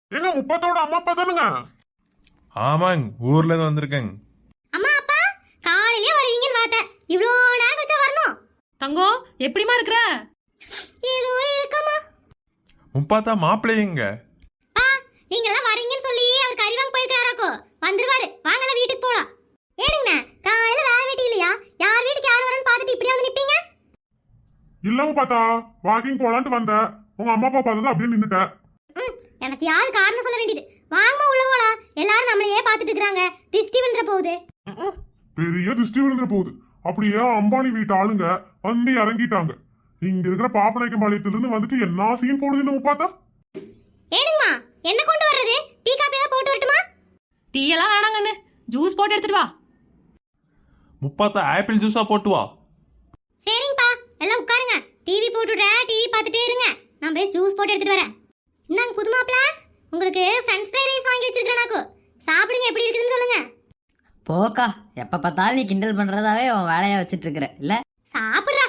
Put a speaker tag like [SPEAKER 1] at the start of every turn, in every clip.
[SPEAKER 1] எங்க முப்பத்தோட அம்மா அப்பா தானுங்க?
[SPEAKER 2] ஆமாங்க, ஊர்ல இருந்து வந்திருக்கேங்க.
[SPEAKER 3] அம்மா அப்பா காலையிலே வருவீங்கன்னு பார்த்தேன். இவ்வளோ நேரம் கழிச்சா வரணும்.
[SPEAKER 4] தங்கம் எப்படிமா இருக்கிற?
[SPEAKER 3] ஏதோ இருக்கமா.
[SPEAKER 2] முப்பாத்தா மாப்பிள்ளைங்க.
[SPEAKER 3] பா நீங்க எல்லாம் வரீங்கன்னு சொல்லி அவர் கறி வாங்க போயிருக்காராக்கோ. வந்துருவாரு, வாங்கல வீட்டுக்கு போலாம். ஏனுங்க காலையில வேற வீட்டு இல்லையா? யார் வீட்டுக்கு யார் வரன்னு பார்த்துட்டு இப்படியே வந்து நிப்பீங்க?
[SPEAKER 1] இல்ல முப்பாத்தா, வாக்கிங் போலான்ட்டு வந்த. உங்க அம்மா அப்பா பார்த்தது அப்படியே நின்னுட்ட.
[SPEAKER 3] எனக்கு யாரு காரணம் சொல்ல வேண்டியது. வாங்கம்மா உள்ள போலாம். எல்லாரும் நம்மளையே பார்த்துட்டு இருக்காங்க. திருஷ்டி விழுந்துற போகுது.
[SPEAKER 1] பெரிய திருஷ்டி விழுந்துற போகுது. அப்படியே அம்பானி வீட்டு ஆளுங்க வந்து இறங்கிட்டாங்க. இங்க இருக்கிற பாப்பநாயக்கம் பாளையத்திலிருந்து வந்துட்டு என்ன சீன் போடுது இந்த முப்பாத்தா?
[SPEAKER 3] ஏனுங்கம்மா என்ன கொண்டு வர்றது? டீ காபி ஏதாவது போட்டு வரட்டுமா?
[SPEAKER 4] டீ எல்லாம் வேணாங்கன்னு ஜூஸ் போட்டு எடுத்துட்டு வா.
[SPEAKER 2] முப்பாத்தா ஆப்பிள் ஜூஸா போட்டு வா.
[SPEAKER 3] சரிங்கப்பா, எல்லாம் உட்காருங்க. டிவி போட்டுடுறேன், டிவி பார்த்துட்டே இருங்க. நான் போய் ஜூஸ் போட்டு எடுத்துட்டு வரேன். இந்தாங்க புது மாப்பிள, உங்களுக்கு ஃப்ரெஞ்ச் ஃப்ரை ரைஸ் வாங்கி வச்சிருக்கேனாக்கோ. சாப்பிடுங்க, எப்படி இருக்குதுன்னு சொல்லுங்க.
[SPEAKER 5] போக்கா, எப்போ பார்த்தாலும் நீ கிண்டல் பண்ணுறதாவே உன் வேலையாக வச்சுட்டு இருக்கிற இல்லை?
[SPEAKER 3] சாப்பிட்றா.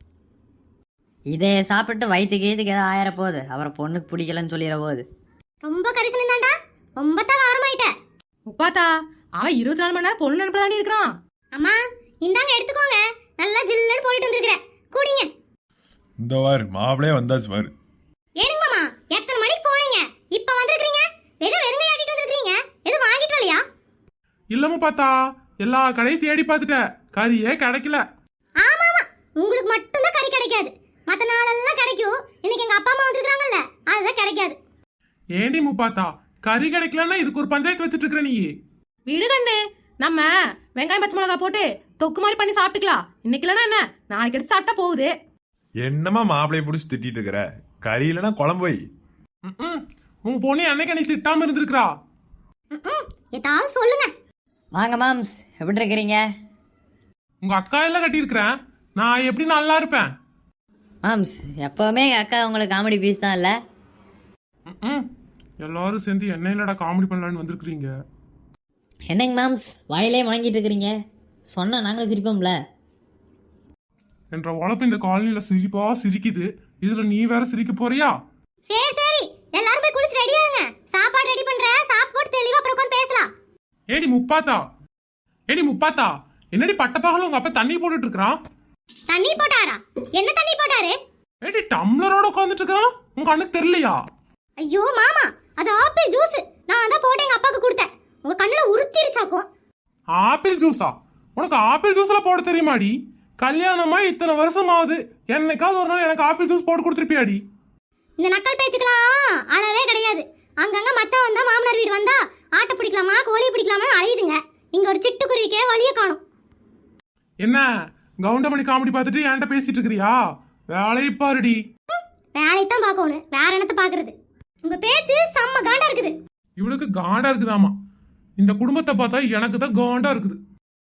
[SPEAKER 5] இதை சாப்பிட்டு வயிற்றுக்கு இதுக்கு ஏதாவது ஆயிர போகுது. அப்புறம் பொண்ணுக்கு பிடிக்கலன்னு சொல்லிட போகுது.
[SPEAKER 3] ரொம்ப கரிசனம் தான்டா, ரொம்ப தான் வாரமாயிட்ட.
[SPEAKER 4] முப்பாத்தா அவன் 24 மணி நேரம் பொண்ணு நினைப்பு தாண்டி இருக்கிறான்.
[SPEAKER 3] அம்மா இந்தாங்க எடுத்துக்கோங்க. நல்லா ஜில்லுன்னு போட்டுட்டு வந்துருக்கிறேன், கூடிங்க.
[SPEAKER 2] இந்த வாரு மாப்பிளையே வந்தாச்சு பாரு.
[SPEAKER 3] ஏனுங்கம்மா எத்தனை மணிக்கு போனீங்க? இப்ப வந்திருக்கீங்க. வெறுங்கையை ஆட்டிட்டு வந்திருக்கீங்க. எதுவும் வாங்கிட்டு வரலையா?
[SPEAKER 6] இல்லமும் பார்த்தா எல்லா கடையும் தேடி பார்த்துட்டேன், கறியே கிடைக்கல.
[SPEAKER 3] ஆமா ஆமா, உங்களுக்கு மட்டும்தான் கறி கிடைக்காது. மற்ற நாளெல்லாம் கிடைக்கும். இன்னைக்கு எங்க அப்பா அம்மா வந்திருக்காங்கல்ல, அதுதான் கிடைக்காது.
[SPEAKER 6] ஏண்டி முப்பாத்தா, கறி கிடைக்கலன்னா இதுக்கு ஒரு பஞ்சாயத்து வச்சுட்டு இருக்கிற நீ?
[SPEAKER 4] விடு கண்ணு, நம்ம வெங்காயம் பச்சை மிளகா போட்டு தொக்கு மாதிரி பண்ணி சாப்பிட்டுக்கலாம். இன்னைக்கு இல்லைன்னா என்ன, நாளைக்கு எடுத்து சாப்பிட்டா போகுது.
[SPEAKER 2] என்னமா மாப்பிளைய பிடிச்சி திட்டிட்டு இருக்கிற? கறி இல்லைன்னா குழம்பு வை.
[SPEAKER 6] உங்க பொண்ணு அன்னைக்கு அன்னைக்கு திட்டாம இருந்திருக்கிறா.
[SPEAKER 3] ஏதாவது சொல்லுங்க.
[SPEAKER 5] வாங்க மாம்ஸ், எப்படி இருக்கிறீங்க?
[SPEAKER 6] உங்க அக்கா எல்லாம் கட்டியிருக்கிறேன், நான் எப்படி நல்லா இருப்பேன்?
[SPEAKER 5] மாம்ஸ், எப்போவுமே எங்கள் அக்கா உங்களுக்கு காமெடி பீஸ் தான் இல்லை?
[SPEAKER 6] எல்லாரும் சேர்ந்து என்ன இல்லடா காமெடி பண்ணலான்னு வந்திருக்கிறீங்க.
[SPEAKER 5] என்னங்க மாம்ஸ் வாயிலே முழங்கிட்டு இருக்கிறீங்க? சொன்னால் நாங்களும் சிரிப்போம்ல.
[SPEAKER 6] என்ற உழப்பு இந்த காலனில சிரிப்பா சிரிக்குது, இதுல நீ வேற சிரிக்க போறியா?
[SPEAKER 3] சரி சரி, எல்லாரும் போய் குளிச்சு ரெடி ஆகுங்க. சாப்பாடு ரெடி பண்றேன், சாப்பிட்டு தெளிவா அப்புறம் உட்கார்ந்து பேசலாம்.
[SPEAKER 6] ஏடி முப்பாத்தா, என்னடி பட்டப்பகல உங்க அப்பா தண்ணி போட்டுட்டு இருக்கிறான்?
[SPEAKER 3] தண்ணி போட்டாரா? என்ன தண்ணி போட்டாரு?
[SPEAKER 6] ஏடி டம்ளரோட உட்காந்துட்டு இருக்கிறான், உங்க அண்ணனுக்கு தெரியலையா?
[SPEAKER 3] ஐயோ மாமா, அது ஆப்பிள் ஜூஸ். நான் தான் போட்டு எங்க அப்பாவுக்கு கொடுத்தேன். உங்க கண்ணுல உறுத்திருச்சாக்கும்.
[SPEAKER 6] ஆப்பிள் ஜூஸா? உனக்கு ஆப்பிள் ஜூஸ்ல போட தெரியுமாடி? கல்யாணமா இத்தனை வருஷம் ஆகுது, என்னைக்காவது ஒரு நாள் எனக்கு ஆப்பிள் ஜூஸ் போட்டு கொடுத்துருப்பியாடி?
[SPEAKER 3] இந்த நக்கல் பேச்சுக்கலாம் அளவே கிடையாது. அங்கங்க மச்சான் வந்தா, மாமனார் வீடு வந்தா ஆட்டை பிடிக்கலாமா கோழி பிடிக்கலாமா அலையுதுங்க. இங்க ஒரு சிட்டுக்குருவிக்கே வழிய காணும்.
[SPEAKER 6] என்ன கவுண்டமணி காமெடி பார்த்துட்டு என்கிட்ட பேசிட்டு இருக்கிறியா? வேலையை பாருடி.
[SPEAKER 3] வேலைத்தான் பார்க்கணும், வேற என்னத்த பாக்குறது? உங்க பேச்சு செம்ம காண்டா இருக்குது.
[SPEAKER 6] இவளுக்கு காண்டா இருக்குதாமா. இந்த குடும்பத்தை பார்த்தா எனக்கு தான் காண்டா இருக்குது.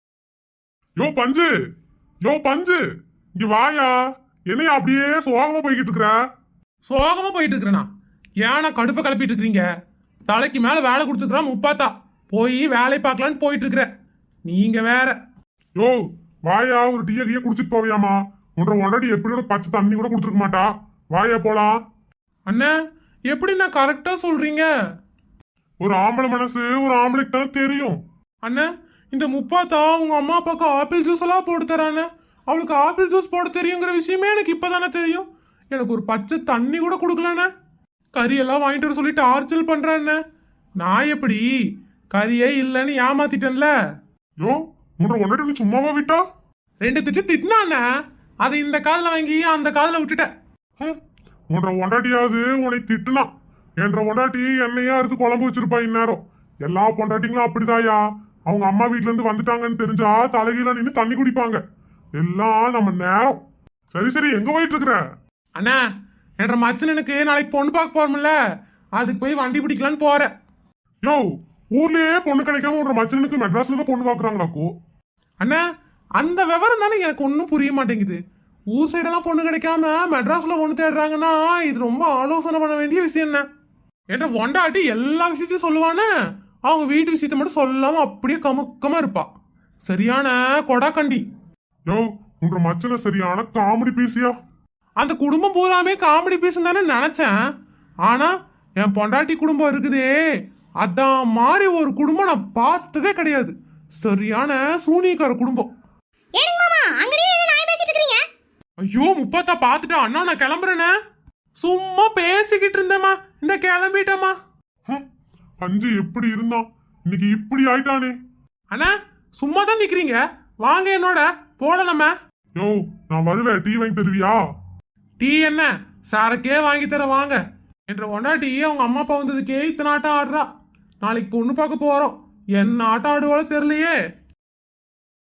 [SPEAKER 1] யோ பஞ்சு, இங்க வாயா. என்னைய அப்படியே சோகமா போய்கிட்டு இருக்கிற?
[SPEAKER 6] சோகமா போயிட்டு இருக்கிறேனா? ஏன்னா கடுப்பை கிளப்பிட்டு இருக்கிறீங்க? தலைக்கு மேல வேலை கொடுத்துக்கிறான் முப்பாத்தா, போய் வேலை பார்க்கலான்னு போயிட்டு இருக்கிற நீங்க வேற.
[SPEAKER 1] யோ வாயா, ஒரு டீயை கீயை குடிச்சிட்டு போவியாமா? ஒன்றரை எப்படி பச்சை தண்ணி கூட கொடுத்துருக்க மாட்டா. வாயா போலாம்.
[SPEAKER 6] அண்ணா எப்படி நான் கரெக்டா சொல்றீங்க?
[SPEAKER 1] ஒரு ஆம்பளை மனசு ஒரு ஆம்பளைக்கு தானே தெரியும்.
[SPEAKER 6] அண்ணா இந்த முப்பாத்தா உங்க அம்மா அப்பாவுக்கு ஆப்பிள் ஜூஸ் எல்லாம் போட்டு தரானே, அவளுக்கு ஆப்பிள் ஜூஸ் போட தெரியுங்கிற விஷயமே எனக்கு இப்பதானே தெரியும். எனக்கு ஒரு பச்சை தண்ணி கூட கொடுக்கலண்ணே. கறியெல்லாம் வாங்கிட்டு வர சொல்லிட்டு ஆர்ச்சல் பண்றேன். நான் எப்படி கறியே இல்லைன்னு ஏமாத்திட்டேன்ல.
[SPEAKER 1] யோ ஒன்றரை சும்மாவா விட்டா?
[SPEAKER 6] 2 திட்டு திட்டினாண்ணே, அதை இந்த காதில் வாங்கி அந்த காதில் விட்டுட்டேன்.
[SPEAKER 1] ஒண்டாட்டியாவது உன்னை திட்டுனா, என்ற ஒண்டாட்டி என்னையா எடுத்து குழம்பு வச்சிருப்பா இந்நேரம். எல்லா பொண்டாட்டிங்களும் அப்படிதாயா. அவங்க அம்மா வீட்டுல இருந்து வந்துட்டாங்கன்னு தெரிஞ்சா தலைகீழ நின்று தண்ணி குடிப்பாங்க. எல்லாம் நம்ம நேரம். சரி எங்க போயிட்டு இருக்கிற?
[SPEAKER 6] அண்ணா என்ற மச்சனனுக்கு நாளைக்கு பொண்ணு பார்க்க போறோம்ல, அதுக்கு போய் வண்டி பிடிக்கலான்னு போறேன்.
[SPEAKER 1] யோ ஊர்லயே பொண்ணு கிடைக்காம ஒரு மச்சனுக்கு மெட்ராஸ்ல தான் பொண்ணு பாக்குறாங்களாக்கோ?
[SPEAKER 6] அண்ணா அந்த விவரம் தானே எனக்கு ஒன்றும் புரிய மாட்டேங்குது. ஊர் சைடெல்லாம் பொண்ணு கிடைக்காம மெட்ராஸ்ல பொண்ணு தேடுறாங்கன்னா இது ரொம்ப ஆலோசனை பண்ண வேண்டிய விஷயம் என்ன? என்ற ஒண்டாட்டி எல்லா விஷயத்தையும் சொல்லுவானே, அவங்க வீட்டு விஷயத்த மட்டும் சொல்லாம அப்படியே கமுக்கமா இருப்பா. சரியான கொடாக்கண்டி.
[SPEAKER 1] யோ உன்ற மச்சனை சரியான காமெடி பீஸியா.
[SPEAKER 6] அந்த குடும்பம் பூராமே காமெடி பீஸ் தானே நினைச்சேன். ஆனா என் பொண்டாட்டி குடும்பம் இருக்குதே, அதான் மாதிரி ஒரு குடும்பம் நான் பார்த்ததே கிடையாது. சரியான சூனியக்கார குடும்பம்.
[SPEAKER 3] ஏனுங்க மாமா அங்கேயே என்ன நாய் பேசிட்டு இருக்கீங்க?
[SPEAKER 6] ஐயோ முப்பத்தா பாத்துட்டா அண்ணா, நான் கிளம்புறேனே. சும்மா பேசிக்கிட்டு இருந்தேம்மா, இந்த கிளம்பிட்டேம்மா.
[SPEAKER 1] அஞ்சு எப்படி இருந்தான், இன்னைக்கு இப்படி ஆயிட்டானே.
[SPEAKER 6] அண்ணா சும்மா தான் நிக்கிறீங்க, வாங்க என்னோட போடலாம.
[SPEAKER 1] யோ நான் வருவேன், டீ வாங்கி தருவியா?
[SPEAKER 6] டீ என்ன, சாரக்கே வாங்கி தர வாங்க. என்ற ஒன்னாட்டி அவங்க அம்மா அப்பா வந்ததுக்கே இத்தனை ஆட்டம் ஆடுறா. நாளைக்கு பொண்ணு பார்க்க போறோம், என்ன ஆட்டம் ஆடுவாளோ தெரியலையே.